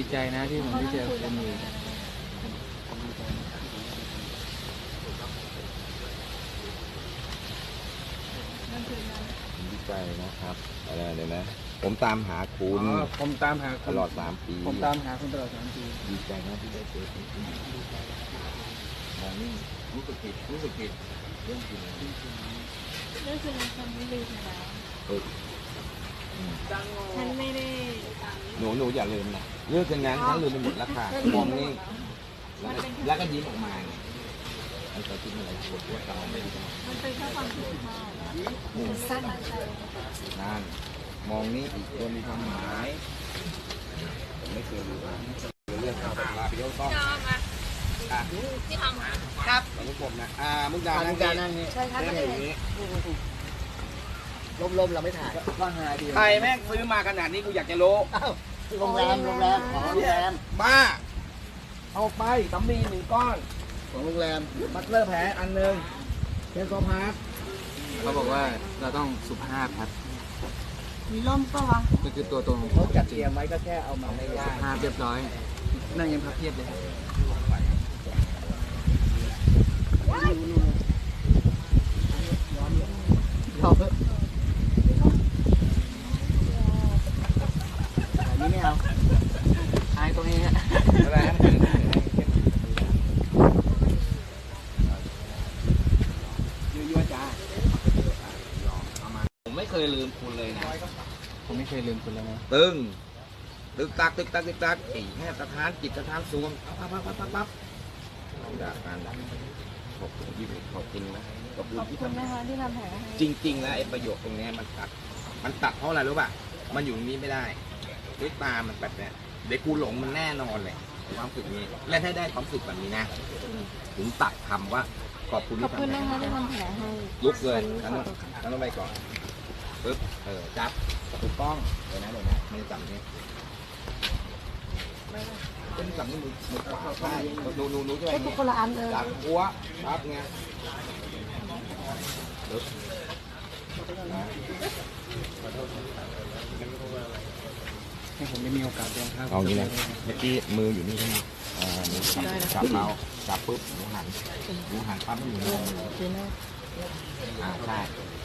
ใจนะที่ผมได้เจอคุณอีกดีใจนะครับอะไรเดี๋ยวนะผมตามหาคุณผมตามหาตลอด3 ปีผมตามหาคุณตลอด3 ปีดีใจนะที่ได้เจอคุณมองนี่รู้สึกผิดเรื่องจริงเรื่องคือฉันไม่ลืมแล้วฉันไม่ได้หนูอย่าลืมนะเรื่องอย่างนั้นฉันลืมไปหมดแล้วค่ะมองนี่แล้วก็ยิ้มออกมาไงไอ้ตัวที่อะไรปวดหัวตาไม่ดีจังมันเป็นแค่ความผิดพลาดมันสั้นใจนั่นมองนี่อีกตัวมีความหมายผมไม่เคยรู้เรื่องข่าวลาไปเที่ยวต้องที่ทำครับของผมนะมุกดานั่งนี่ใช่ครับอย่างนี้ลมเราไม่ถ่ายก็หาดีใครแม่งซื้อมาขนาดนี้กูอยากจะรู้โรงแรมของโรงแรมบ้าเอาไปสำลี1 ก้อนของโรงแรมบัตเลอร์แผลอันหนึ่งเทนโซพาร์ทเขาบอกว่าเราต้องสุภาพครับมีร่มปะวะนี่คือตัวตนของเขาจัดเตรียมไว้ก็แค่เอามาไม่ได้สุภาพเรียบร้อยนั่งยังพับเพียบเลยครับเราอันนี้ไม่เอาอายตรงนี้ฮะอะไรนะยั่วจ้าผมไม่เคยลืมคุณเลยนะผมไม่เคยลืมคุณแล้วนะตึกตักอีแค่สถานจิตสถานสวงปั๊บจากการขอบคุณที่ขอบคุณนะขอบคุณขอบที่คุณทำนะคะที่ทำแผลให้จริงๆแล้วไอ้ประโยคตรงนี้มันตัดเพราะอะไรรู้ป่ะมันอยู่ตรงนี้ไม่ได้ด้วยตามันแบบเนี้ยเด็กกูหลงมันแน่นอนเลยความรู้สึกนี้และถ้าได้ความรู้สึกแบบนี้นะถึงตัดคำว่าขอบคุณขอที่บคุณทำนะคะที่ทำแผลให้ลุกเลยนั่นต้องไปก่อนปึ๊บจับถูกต้องเดี๋ยวนะมันจับนี้เป็นจับนี่มือใช่นูใช่ไหมเป็นคนละอันเลยจับหัวปั๊บไงปึ๊บให้ผมได้มีโอกาสเดินทางเอางี้นะเมื่อกี้มืออยู่นี่ใช่ไหมหนูจับเราจับปุ๊บหนูหันปั๊บหนูใช่